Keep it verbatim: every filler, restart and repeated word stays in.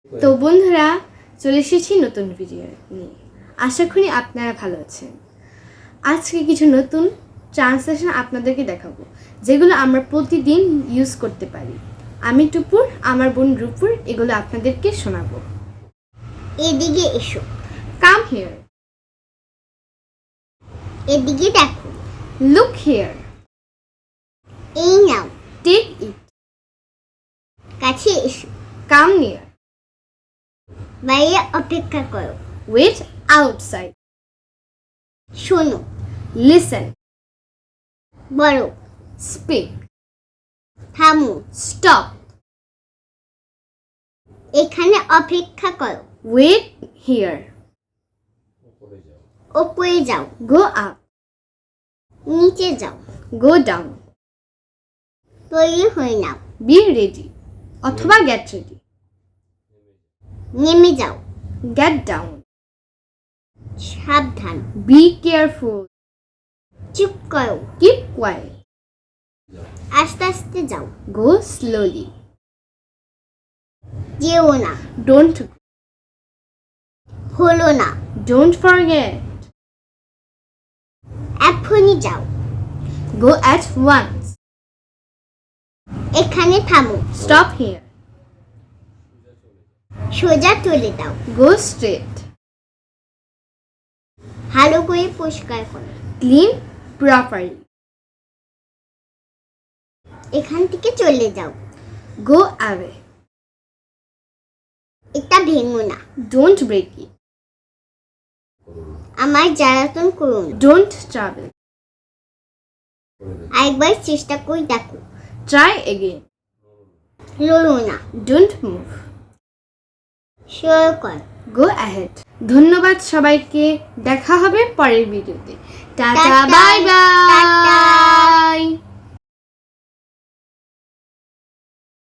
তো বন্ধুরা, চলে এসেছি নতুন ভিডিও নিয়ে। আশা করি আপনারা ভালো আছেন। আজকে কিছু নতুন ট্রান্সলেশন আপনাদেরকে দেখাবো, যেগুলো আমরা প্রতিদিন ইউজ করতে পারি। আমি টুপুর, আমার বোন রূপুর এগুলো আপনাদেরকে শোনাবো। এদিকে এসো। Come here. এদিকে দেখো। Look here. এই নাও। Take it. কাছে এসো। Come near. বাইরে অপেক্ষা করো। Wait outside. শোনো। লিসেন। বলো। স্পিক। থামো। স্টপ। এখানে অপেক্ষা করো। Wait here. ওপরে যাও। Go up. নিচে যাও। Go down. তৈরি হয়ে নাও। বি রেডি অথবা গেট রেডি। নেমে যাও। Get down. সাবধান। Be careful. চুপ করো। Keep quiet. আস্তে আস্তে যাও। Go slowly. যেও না। ডোন্ট হলো না। Don't forget. এখনই যাও। Go at once. এখানে থামো। Stop here. সোজা চলে দাও। Go straight. ভালো করে পরিষ্কার করো। Clean properly. এখান থেকে চলে যাও। Go away. এটা ভেঙো না। Don't break it. আমার জ্বালাতন করুন। Don't travel. একবার চেষ্টা করে দেখো। Try again. লড়ো না। Don't move. শিওর কর। Go ahead. ধন্যবাদ সবাইকে। দেখা হবে পরের ভিডিওতে। টাটা, টাটা, বাই বাই। টাটা।